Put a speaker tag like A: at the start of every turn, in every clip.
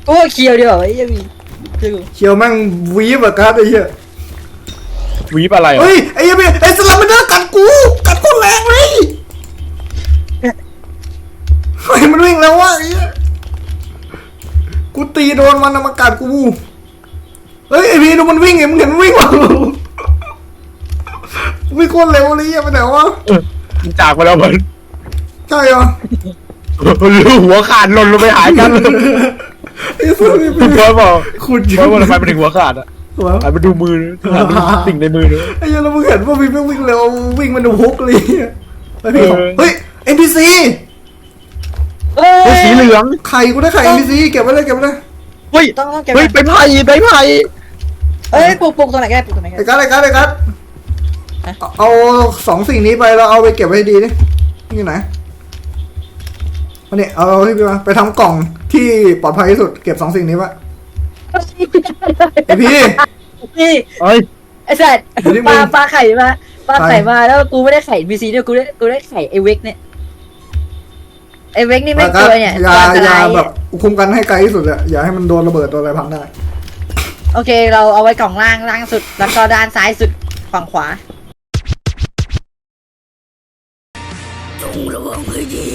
A: โอ้เคียวดีกว่าไอ้ยังมี
B: เขียวแม่งวีบอะครับไอ้เหี้ย
C: วีบอะไรอ่ะ
B: เฮ้ยไอ้เหี้ยไอ้สลัมมันเดินกัดกูแรงเลยเฮ้ยมันวิ่งแล้ววะไอ้เหี้ยกูตีโดนมันนะมากัดกูเฮ้ยไอ้พี่ดูมันวิ่งไงมึงเห็นมันวิ่งวะวิ่งโคตรเร็วเลยไปไหนวะ
C: มันจากไปแล้วมัน
B: ใช่เหรอ
C: หัวขาดหล่นลงไปหายกัน
B: ไอ้สุดนี่
C: คุณพ่อบอก
B: คุณ
C: ว่าทำไมมันถึงหัวขาดอ่ะหันไปดูมือหันไปดูสิ่งในมือเลย
B: ไอ้เหี้ยแล้วมึงเห็นว่าพี่วิ่งเร็ววิ่งมันดูฮุกเลยเฮ้ย NPC
A: เฮ้ย
C: สีเหลือง
B: ไข่กูได้ไข่ NPC เก็บไว้เลย
C: เฮ้ย
A: ต้องเก็บ
C: เฮ้ยไปไผ่
A: เอ้ยปลูกตรงไหนก็ได้ปลูกตรงไหนก็
B: ไอ้
A: ได้
B: กัดเอา2 สิ่งนี้ไปแล้วเอาไปเก็บไว้ดีดินี่ไหนมาเนี่ยเอาที่พี่มาไปทำกล่องที่ปลอดภัยที่สุดเก็บ2 สิ่งนี้ไว้ไอพี่
A: นี่
C: เฮ้ย
A: ไอ้สัตว์ปลาไข่มาแล้วกูไม่ได้ไข่บีซีเนี่ยกูได้ไข่ไอเวกเนี่ยไอเวกนี่ไม่ตัวเนี่ย
B: อย่าแบบคุมกันให้ไกลที่สุดอะอย่าให้มันโดนระเบิดโดนอะไรพังได้
A: โอเคเราเอาไว้กล่องล่างสุดแล้วก็ด้านซ้ายสุดฝั่งขวาจงระวังให้ดี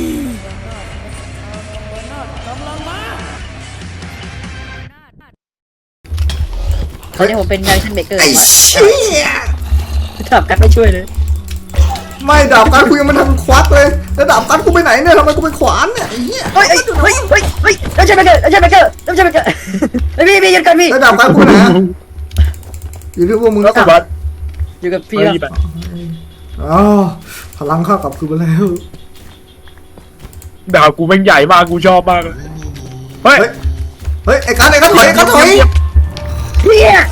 A: ตอนนี้ผมเป็นดันชั่นเบเกอร์
B: ไอ้เชี่ย
A: ถามกันไม่ช่วยเลย
B: ไม่ดาบกันกูยังมันทำควักเลยแล้วดาบกันกูไปไหนเนี่ยทำไมกูไปขวานเนี่ยไอ้เหี้ย
A: เฮ้ยดันชั่นเบเกอร์ไอ้พี่หยุดก่อนพี่
B: แล้วดาบกันกูไปไหนอยู่ที่พวกมึงแล้วกัน
A: อยู่กับพี่
B: อ๋อพลังข้ากลับคืนมาแล้ว
C: ดาวกูแม่งใหญ่มากกูชอบมากเฮ้ย
B: เฮ้ยไอ้กันถอย
A: เฮีย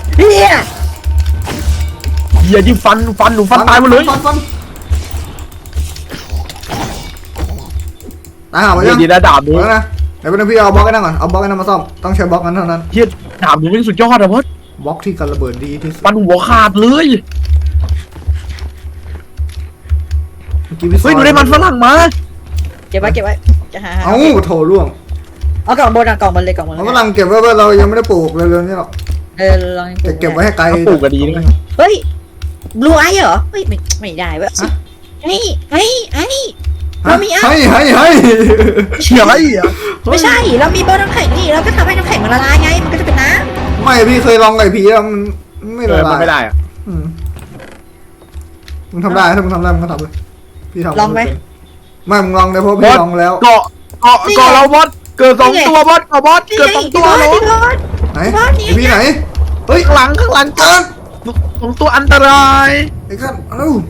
C: อย่ายิงฟันหนูฟันตายหมดเลย
B: ฟันตายหาไปยัง
C: ดีนะดาบดู
B: แล้วนะเดี๋ยวเป็นพี่เอาบล็อกไอ้นั่นก่อนเอาบล็อกไอ้นั่นมาซ่อมต้องใช้บล็อกนั้นเท่านั้น
C: เฮียดาบดูแม่งสุดยอดอะเพื่อน
B: บล็อกที่กันระเบิดดีที่สุด
C: ฟันหัวขาดเลย เฮ้ยหนูได้มันฝรั่งมา
A: เก็บไว้จะหา
B: เอ้าโถล่วง
A: เอากล่องบนกล่องบนเลยกล่องบน
B: มันกำลังเก็บไว้เรายังไม่ได้ปลูกเลยเรื่องนี้หรอก
A: ลอง
B: เก็บไว้ให้ไกล
C: ปลูกกันดีด้วย
A: เฮ้ยบลูไอเหรอเฮ้ยไม่ได้เว้ยเฮ้ยเรามี
B: ให้
C: เชี่ยอะไรอ่ะ
A: ไม่ใช่เรามีโบน้ำแข็งนี่เราก็ทำให้น้ำแข็งมันละลายไงมันก็จะเป็นน้ำ
B: ไม่พี่เคยลองไก่ผีแล้วมันไม่ละลาย
C: มันไม่ได้อ่ะ
B: มึงทำได้ถ้ามึงทำได้มึงก็ทำเลยพี่ทำ
A: ลองไหม
B: ไม่มึงลองได้เพราะพี่ลองแล้ว
C: เกาะเราบอสเกิด2 ตัวบอสเกิด2 ตัวเลย
B: ไหนพี่ไหนเฮ้ย
C: ข้างหลังกัน2 ตัวอันตราย
B: ไอ้กันเอ้า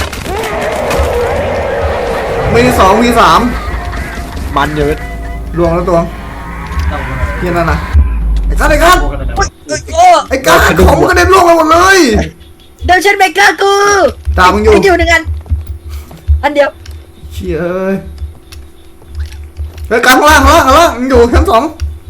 B: มี2 มี 3
C: มันเยอะ
B: รวมแล้วตัวเฮียนั่นนะไอ้กันไอ้กันของมึงกระเด็นล่วงไปหมดเลย
A: เดินชันเบเกอร์กู
B: ตามมึงอยู่
A: อยู่หนึ่งอันเดียว
B: เชี่ยเอ้ยเฮ้ยกันข้างล่างมึงอยู่ชั้น 2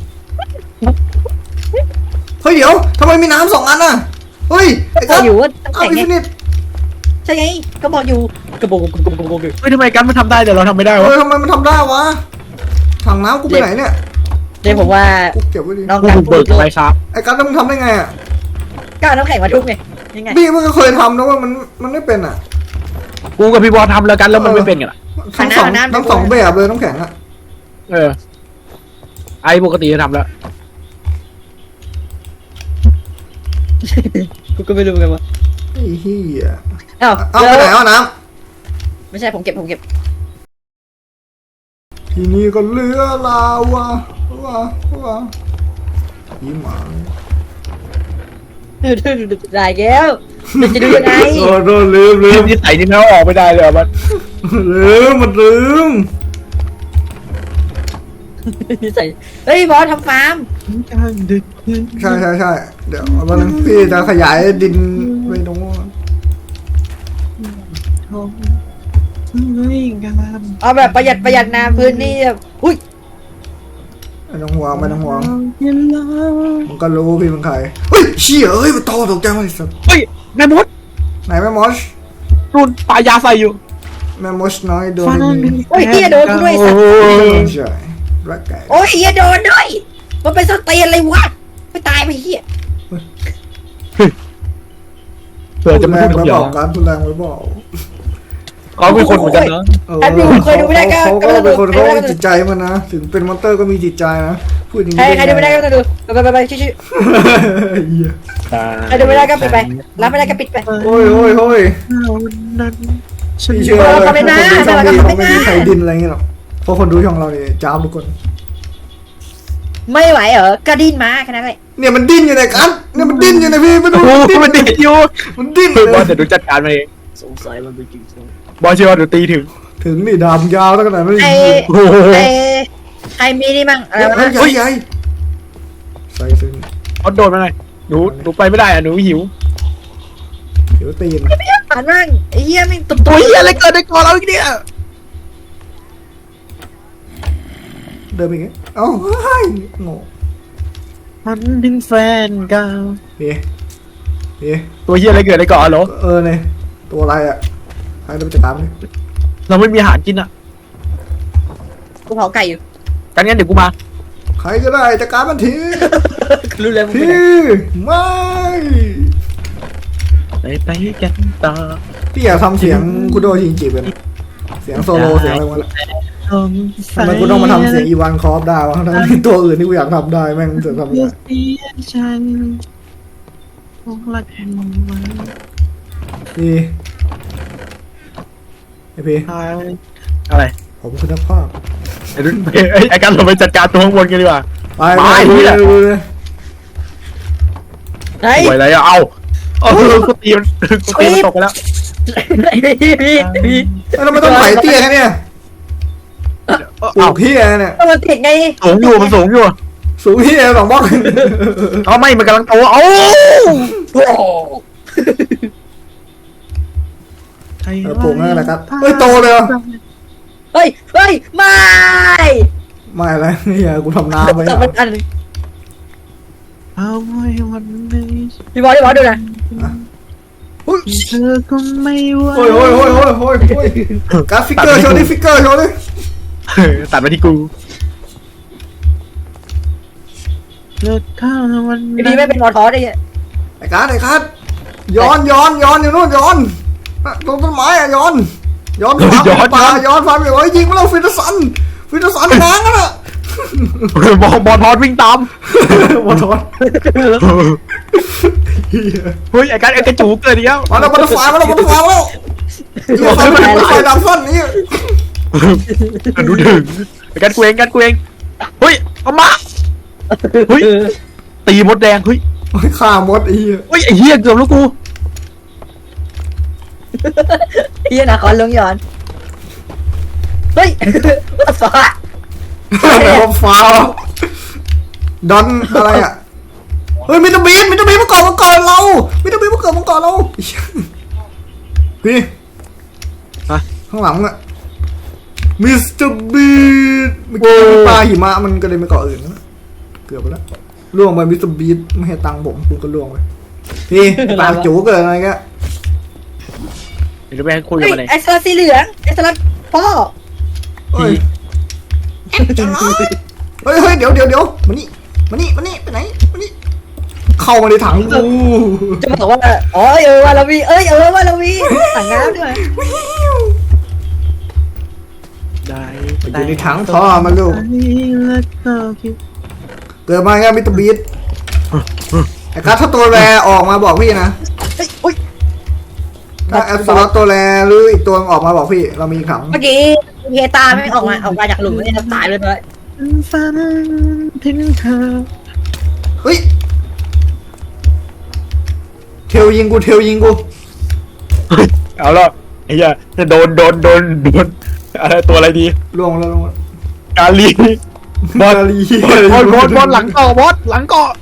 B: เฮ้ยเดี๋ยวทำไมมีน้ำ2 อันน่ะเฮ้ยไอ้
A: ก็
B: กัน
A: อยู่ว่าน้ำ
B: เอา
A: แข็ง
B: อิน
A: ไง
B: ฟินิต
A: ใช่ไงก็บอกอยู่กระโบก
C: เฮ้ยทำไมกันมันทำได้แต่เราทำไม่ได้
B: เฮ้
C: วะ
B: ยทำไมมันทำได้วะถังน้ำกูไปไหนเนี่ย
A: เดี๋ยวผมว่า
B: กูเก็บไว้ดิ
A: น้อง
C: กู
A: กัน
C: ถูกเบิกไปครับ
B: ไอ้กันแล้วมึงทำได้ไงอ่ะ
A: ก็เอาน้ำแข็งมาทุบไงยังไง
B: พี่มันก็เคยทำนะว่ามันไม่เป็นอ่ะ
C: กูกับพี่บอลทำแล้วกันแล้วมันไม่เป็นกันอ่ะ
B: ทั้งสองแบบเลยน้ำแข็งอ่ะ
C: ไอปกติจะทำแล้ว
A: กูก็ไม่รู้เหมือนกันว่า
B: ไอ้เหี้ย
A: อ้าว
B: เอาไปไหนเอาน้
A: ไม่ใช่ผมเก็บ
B: ำทีนี้ก็เหลือลาวะยี่หมา
A: ได้แก้วมันจะดูยังไง
B: โอ้โหลืม
C: นิสัยนี่เขาออกไม่ได้เลยมัน
B: ลืม
A: ใส่เฮ้ยบอสทำฟาร์ม
B: ใช่เดี๋ยววันนึงพี่จะขยายดินไปตรงนู้น
A: เอาแบบประหยัดน้ำพื้นที่แบบอุ้ย
B: ไม่ต้องห่วงมันก็รู้พี่เป็นใครเฮ้ยเชี่ยเอ้ยมันโตตกใจมาสัส
C: เฮ้ยแม่มด
B: ไหนแม่มอส
C: รุ่นปลายาใส่อยู่
B: แม่มอสน้อยโดน
A: โอ้ยเฮียโดนกูด้วยสัตว์
B: ใช่รักไก่
A: โอ้ยเฮียโดนด้วยมันเป็นสเตียนเลยวะไม่ตายไปเหี้ย
C: เผื่อจะ
B: แร
C: ไม่
B: ง
C: พูด
B: ไว้
C: เดี๋
B: บ
C: ยว
B: อกการทุนแรงไว้บอก
C: เขาเป็นคนเหมือนกันเนาะ
A: ไอ้พี่เคยดูไม่ได้ก็
B: เขาก็เป็นคนเขา
A: ก็
B: มีจิตใจมันนะถึงเป็นมอนเตอร์ก็มีจิตใจนะพูดอย่าง
A: ใครดูไม่ได้ก็ต้องดูไปชื่อ
B: เหี้ย
A: ใครดูไม่ได้ก็ปิดไปรับไม่ได้ก็ปิดไป
B: โอ้ยโอ้ยโอ้ย
C: นั้น
B: พี่เชื่อเลยคนดูช่องนี้เขาไม่มีใครดินอะไรเงี้ยหรอกเพราะคนดูช่องเราเนี่ยจ้าบทุกคน
A: ไม่ไหวเหรอก็ดิ้นมาแค่นั้นแหละ
B: เนี่ยมันดิ้นอยู่ในกันเนี่ยมันดิ้นอยู่ในพี่มันดู
C: โอ้โหมันเด็ดอยู่
B: มันดิ้น
C: คือบอล
B: เล
C: จะ
B: ย
C: ดูจัดการมาเอง
A: สงสัยมันเป็นจริง
C: บอลเชื่อว่าเดี๋ยวตีถึง
B: ถึงนี่ดามยาวตั้งขนาดนั้น
A: ไอ้
C: โอ้โห
A: ใครมีนี่มั่งอะไร
B: เฮ้
A: วะ
B: ยใหญ่ใหญ่ใส่ซึ่ง
C: เขาโดนมาหน่อยหนูไปไม่ได้อ่ะหนูหิว
B: เดี๋ยวตีน
A: ผ่านมั่งไอ้เหี้ยไม่ตุ่
C: ตัวเฮียอะไรเกิดในก่อนเราอีกเนี่ย
B: เดินไปไงเอ้าเฮ้ยโง่
C: มันถึงแฟนเก่า
B: เฮ้เฮ้
C: ตัวเฮียอะไรเกิดในก่อนเหรอ
B: เนี่ยตัวอะไรอ่ะใครจะไปจัดการมัน
C: เราไม่มีอาหารกินอ่ะ
A: กูเผาไก่อยู่
C: กันงั้นเดี๋ยวกูมา
B: ใครก็ได้จัดการมันที
A: รู้เลยมึง
B: พี่ไม่
C: ไปกันต่อ
B: พี่อยากทำเสียงคุโดชินจิเป็นเสียงโซโลเสียงอะไรวะทำไมกูต้องมาทำเสียงอีวานคอฟได้วะทั้งที่ตัวอื่นที่กูอยากทำได้แม่งเสือกทำไม่ได้
C: ฉันคงรักมันไว้
B: พี่ไอพี่
C: อะไร
B: ผมคุณภาพ
C: ไอ้รุ่นไอ้การเราไปจัดการตัวข้างบนกันดีกว่า
B: ไปดูเลย
A: ไอ้
C: สวยอะไรอ่ะเอากูตีมันตกไปแล้ว
A: พี่
B: แล้วมันต้องไถเตี้ยแค่เนี่ยปลูกเฮียเนี่ย
A: มันติดไง
C: สูงอยู่มันสูงอยู่
B: สูงเฮีย2 บล็อก
C: เอาไม่มันกำลังโตเอา
A: โอ้
B: ปลูกนั่นแหละครับเฮ้ยโตเลย
A: เฮ้ยไม่
B: ไม่อะไรเฮียกูทำน้ำไว้
A: แต่มันอัน
C: เอาไว้วันนี้
A: พี่บอลดูนะ
C: เธอก็ไม่ว่า
B: โอ้ยกราฟิกเกอร์โชว์ดิฟิกเกอร์โชว์ดิ
C: ตัดมาที่กูเลิกข้าววัน
A: พี่ดีไม่เป็นมอทอสไอ้เหี้ย
B: ไอ้การดย้อนอยู่นู่นย้อนตรงต้นไม้อะย้อนป่าย้อนฟันไปโอ้ยยิงมาแล้วฟิตสันง้างกันอะ
C: บอลทอดวิ่งตาม
B: บอลทอน
C: เฮ้ยไอ้กระจูเกิดเดียว
B: มาแล้วบอลไฟมาแล้วไฟดำสั้นนี่
C: ดูถึงไอ้กันเองเฮ้ยเอามาเฮ้ยตีมดแดงเฮ้ย
B: ฆ่ามดอี
C: เฮ้ยไอ้เหี้ยเกือบแล้วกู
A: เหี้ยนะคอนลงย้อนเฮ้ยว่าฟ้า
B: แล้วฟ้าดอนอะไรอะเฮ้ยมิสเตอร์บีนมาก่อนเรามิสเตอร์บีนมาเกิดมาก่อนเราพี่ข้างหลังอะมิสเตอร์บีนเมื่อกี้ปลาหิมะมันก็เลยไปเกาะอื่นนะเกือบไปแล้วล่วงไปมิสเตอร์บีนไม่ให้ตังค์ผมคุณก็ล่วงไปพี่ปากจูเกิดอะไรกัน
C: เดี๋ยวไปให้คุยกับมันเลย
A: ไอ้สลัดสีเหลืองไอ้สลัดพ่อ
B: เฮ้ยเดี๋ยวมานี่ไปไหนมานี่เข้ามาในถังกู
A: จะมาบอกว่าอ๋อว่าเรามีว่าเรามีถังน้ำด้วย
C: ได้
B: อยู่ในถังท่อมาลูกเกิดมาไงมิสเตอร์บีนไอ้กัสถ้าตัวแรออกมาบอกพี่นะ
A: อุ้ย
B: ถ้าแอปสล็อตตัวแรหรืออีกตัวออกมาบอกพี่เรามีถัง
A: เมื่อกี้เฮตาไม่ออกมาจากหลุมนี่จะตายเลย
C: ฝันถึงเธอ
B: เฮ้ยเทลยิงกู
C: เอาละไอ้เหี้ยจะโดนอะไรตัวอะไรดี
B: ล่วงแล้ว
C: กาลีบอลหลังเกาะบอสหลังเกาะ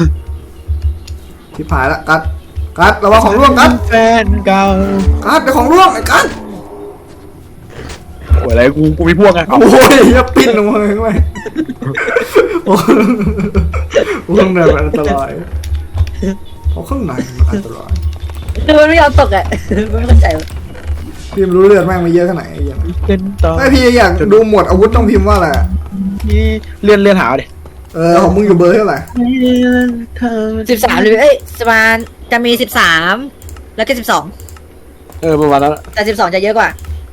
B: ที่ผายละกัดระวังของร่วงกัด
C: แฟนเก่า
B: เดี๋ยวของร่วงไอ้กัด
C: โอ้ยอะไรกูมีพวกไง
B: โอ้ยอย่าปิ้นลงมาเลย โอ้ข้างในมันอันตรายเพราะข้างในมันอันตราย
A: คือมันไม่ยอมตกอ่ะไม่เข้าใจ
B: พี่รู้เลือดแม่งมาเยอะขนาดไหนยัง
C: เป็นต่อ
B: ไอพี่อยากดูหมวดอาวุธต้องพิมพ์ว่าอะไร
C: เลื่อนหาดิ
B: ของมึงอยู่เบอร์เท่าไหร่
A: 13เลยประมาณจะมี13แล้วก็12
C: ประมาณนั้น
A: แต่12จะเยอะกว่า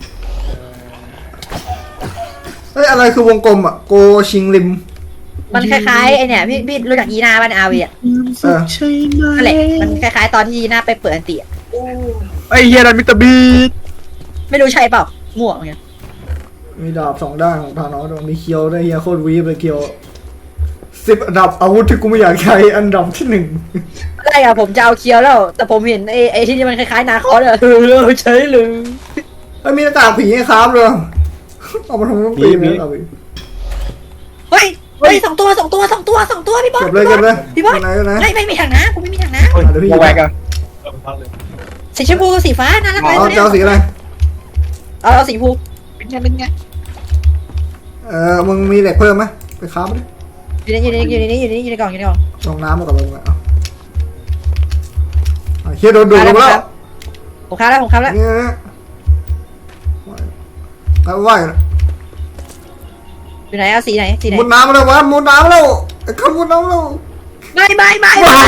B: อะไรคือวงกลมอ่ะโกชิงริม
A: มันคล้ายๆไอเนี่ยพี่รู้จักยีน่าบ้านอาวีอ่ะ
C: ใช่ไหม
A: นั่นแหละมันคล้ายๆตอนที่ยีน่าไปเปิดอันติอะ
C: ไอ้เฮียนั่นมิสเตอร์บีท
A: ไม่รู้ใช่เปล่ามั่วเหมือนกัน
B: มีดาบ2 ด้านของธานอสด้วยมีเคียวได้วยเฮียโคตรวีบเลยเคียว10 อันดับอาวุธที่กูไม่อยากใช้อันดับที่ 1
A: ได้อะผมจะเอาเคียวแล้ว แต่ผมเห็นไอ้ที่มันคล้ายๆนาคอสอะใช่เลย
B: มีหน้ากากผีให้ครับเลยเอามาทำน้ำปีเลยเอาไป
A: เฮ้ย2 ตัวพี่บอส
B: เก็บเลย
A: พี่บอส
B: ไหนไหน
A: ไม่มีถังนะกูไม่มีถังนะ
B: เดี๋ยวพี่
C: วงแวกอะ
A: สีชมพูกับสีฟ้าน่ารักไหม
B: เอาจะเอาสีอะไร
A: เอาสีชมพูเป็นไง
B: มึงมีเหล็กเพิ่มไหมไปค้ามาดิ
A: อยู่ในกล่อง
B: ลงน้ำมากับมึงอ่ะเฮียโดนดูดลงแล้ว
A: ผมค้าแล้ว
B: นี่แล้วว่าย
A: อยู่ไหนเอาสีไหน
B: มุดน้ำมาแล้ววะมุดน้ำแล้วไอ้ข้ามุดน้ำแล้ว
A: ไม่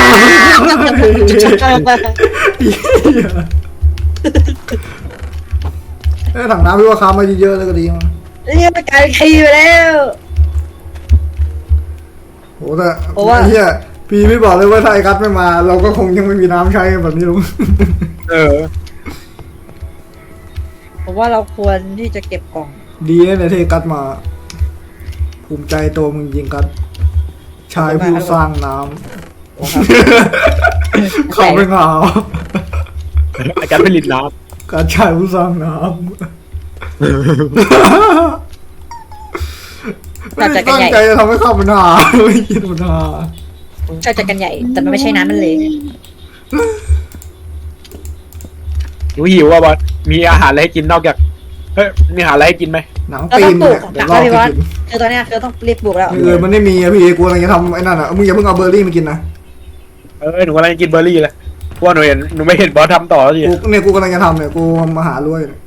B: ถังน้ำพี่ว่าค้ามาเยอะๆเลยก็ดีมั้ง
A: นี่มันกลายเป็นคีไปแล้ว
B: โหแต่เฮียพี่ไม่บอกเลยว่าถ้าไอ้กัสไม่มา เราก็คงยังไม่มีน้ำใช้แบบนี้หรอก
A: ผมว่าเราควรที่จะเก็บกล่อง
B: ดีนะเนี่ยที่กัสมา ภูมิใจตัวมึงจริงกัสชายผู้สร้างน้ำเขาไม่เหงา
C: ไอ้การผลิตน้
B: การชายผู้สร้างน้ำไม่ได้ตั้งใจจะทำให้ข้ามันหาไม่คิดมันหา
A: ชอบจัดกันใหญ่แต่มันไม่ใช่น้ำมันเลย
C: ำหนูหิวอ่ะบอสมีอาหารอะไรให้กินนอกจากมีอาหารอะไรให้กินไหม
B: หนังปีนเนี่ยเดี๋ยวรอกิน
A: คือตอนนี้คือต้องรีบปลูกแล้ว
B: มันไม่มีอะพี่กูกำลังจะทำไอ้นั่นอะมึงอย่าเพิ่งเอาเบอร์รี่มากินนะ
C: หนูกำลังจะกินเบอร์รี่เลยเพราะว่าหนูไม่เห็นบอสทำต่อแล้วสิ
B: กูกำลังจะทำเนี่ยกูมาหารวยเนี่ย